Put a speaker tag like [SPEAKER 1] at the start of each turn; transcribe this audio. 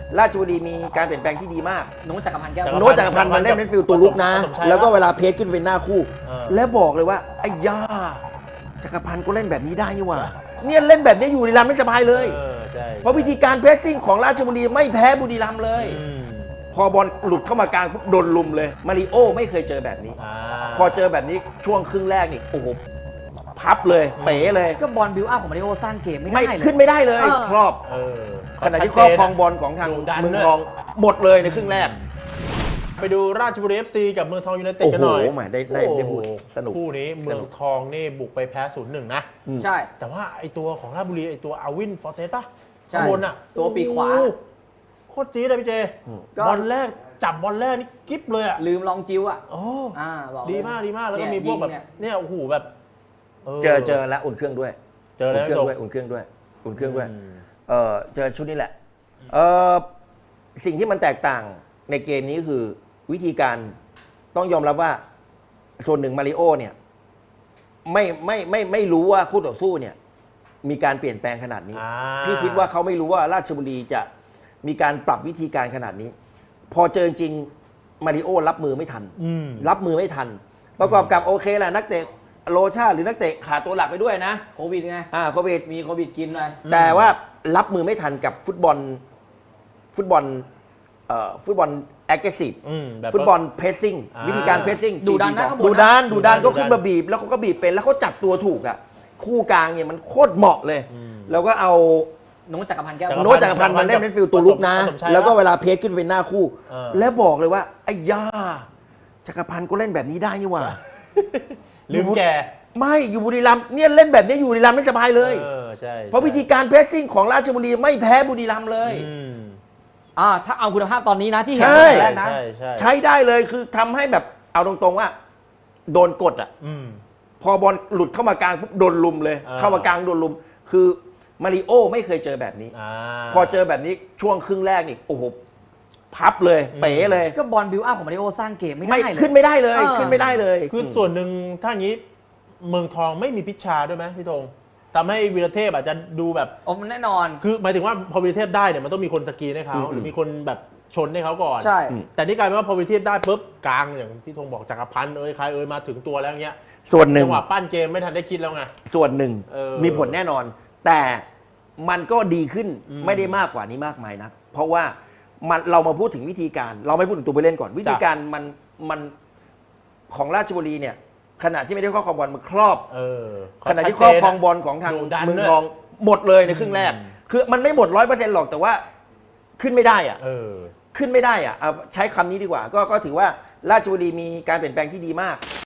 [SPEAKER 1] ราชบุรีมีการเปลี่ยนแปลงที่ดีมาก
[SPEAKER 2] โน้ตจักรพันธ์แก้ว
[SPEAKER 1] โน้ตจักรพันธ์มันเล่นเป็นฟิลตัวลุกนะแล้วก็เวลาเพจขึ้นเป็นหน้าคู่แล้วบอกเลยว่าไอ้ย่าจักรพันธ์ก็เล่นแบบนี้ได้นี่หว่าเนี่ยเล่นแบบนี้อยู่บุรีรัมย์ไม่สบายเลยเพราะวิธีการเพรสซิ่งของราชบุรีไม่แพ้บุรีรัมย์เลยพอบอลหลุดเข้ามากลางปุ๊บโดนลุมเลยมาริโอไม่เคยเจอแบบนี้พอเจอแบบนี้ช่วงครึ่งแรกนี่โอ้โหพับเลยเป๋เลย
[SPEAKER 2] ก็บอลบิวอัพของมาริโอสร้างเกมไม่ได้เลย
[SPEAKER 1] ขึ้นไม่ได้เลยครอบขณะที่ครอบครองบอลของทางเมืองทองหมดเลยในครึ่งแรก
[SPEAKER 3] ไปดูราชบุรี FC กับเมืองทองยูไนเต็ดกันหน่อย
[SPEAKER 1] โอ้โหได้พูดสนุก
[SPEAKER 3] คู่นี้เมืองทองนี่บุกไปแพ้ 0-1 นะ
[SPEAKER 2] ใช่
[SPEAKER 3] แต่ว่าไอตัวของราชบุรีไอตัวอาวินฟอร์เตสป่ะ
[SPEAKER 2] ใช่
[SPEAKER 3] บนอ่ะ
[SPEAKER 2] ตัวปีกขวา
[SPEAKER 3] โคตรจี๊ดเลยพี่เจบอลแรกจับบอลแรกนี่กิ๊บเลยอ่ะ
[SPEAKER 2] ลืมลองจิ้วอ่ะ
[SPEAKER 3] บอกดีมากแล้วก็มีพวกแบบเนี่ยโอ้โหแบบ
[SPEAKER 1] เจอแล้วอุ่นเครื่องด้วย
[SPEAKER 3] เจอแล้ว
[SPEAKER 1] อุ่นเครื่องด้วยเจอชุดนี้แหละสิ่งที่มันแตกต่างในเกมนี้คือวิธีการต้องยอมรับว่าส่วนหนึ่งมาริโอเนี่ยไม่รู้ว่าคู่ต่อสู้เนี่ยมีการเปลี่ยนแปลงขนาดนี้พี่คิดว่าเขาไม่รู้ว่าราชบุรีจะมีการปรับวิธีการขนาดนี้พอเจอจริงมาริโอรับมือไม่ทันประกอบกับโอเคแหละนักเตะโลชาหรือนักเตะขาดตัวหลักไปด้วยนะ
[SPEAKER 2] โควิดไง
[SPEAKER 1] โควิด
[SPEAKER 2] มีโควิดกินเลย
[SPEAKER 1] แต่ว่ารับมือไม่ทันกับฟุตบอลแอคทีฟฟุตบอลเพรสซิ่งวิธีการเพรสซิ่ง
[SPEAKER 2] ดูดัน
[SPEAKER 1] ก็ขึ้นมาบีบแล้วเขาก็บีบเป็นแล้วเขาจับตัวถูกอ่ะคู่กลางเนี่ยมันโคตรเหมาะเลยแล้วก็เอา
[SPEAKER 2] โน้ตจักรพันธ์แก้ว
[SPEAKER 1] โน้ตจักรพันธ์มันเล่นเป็นฟิลตัวลุกนะแล้วก็เวลาเพจขึ้นเป็นหน้าคู่แล้วบอกเลยว่าไอ้ย่าจักรพันธ์ก็เล่นแบบนี้ได้นี่หว่า
[SPEAKER 3] ลืมแก
[SPEAKER 1] ไม่อยู่บุรีรัมย์เนี่ยเล่นแบบนี้อยู่บุรีรัมย์ไม่สบายเลยเพราะวิธีการเพรสซิ่งของราชบุรีไม่แพ้บุรีรัมย์เลย
[SPEAKER 2] ถ้าเอาคุณภาพตอนนี้นะที่เห็นแรกนะ
[SPEAKER 1] ใช้ได้เลยคือทำให้แบบเอาตรงๆว่าโดนกดอ่ะพอบอลหลุดเข้ามากลางปุ๊บโดนลุมเลยเข้ามากลางโดนลุมคือมาริโอไม่เคยเจอแบบนี้พอเจอแบบนี้ช่วงครึ่งแรกนี่โอ้โหพับเลยเป๋เลย
[SPEAKER 2] ก็บอลบิวอัพของมาริโอสร้างเกมไม่ได้เลย
[SPEAKER 1] ขึ้นไม่ได้เลย
[SPEAKER 3] คือส่วนหนึ่งถ้าอย่างนี้เมืองทองไม่มีพิชชาด้วยไหมพี่ธงทำให้วีรเทพอาจจะดูแบบ
[SPEAKER 2] มันแน่นอน
[SPEAKER 3] คือหมายถึงว่าพอวีรเทพได้เนี่ยมันต้องมีคนสกรีนให้เขาหรือมีคนแบบชนให้เขาก่อน
[SPEAKER 2] ใช่
[SPEAKER 3] แต่นี่กลายเป็นว่าพอวีรเทพได้ปุ๊บกลางอย่างพี่ธงบอกจักรพันธ์ใครมาถึงตัวแล้วเงี้ย
[SPEAKER 1] ส่วนหนึ่ง
[SPEAKER 3] จังหวะปั้นเกมไม่ทันได้คิดแล้วไง
[SPEAKER 1] ส่วนหนึ่งมีผลแน่นอนแต่มันก็ดีขึ้นไม่ได้มากกว่านี้มากมายนะเพราะว่าเรามาพูดถึงวิธีการเราไม่พูดถึงตัวผู้เล่นก่อนวิธีการมันของราชบุรีเนี่ยขณะที่ไม่ได้ครอบครองบอลมันครอบขณะที่ครอบครองบอลของทางเมืองทองหมดเลยในครึ่งแรกคือมันไม่หมด 100% หรอกแต่ว่าขึ้นไม่ได้อ่ะขึ้นไม่ได้อ่ะใช้คำนี้ดีกว่าก็ถือว่าราชบุรีมีการเปลี่ยนแปลงที่ดีมาก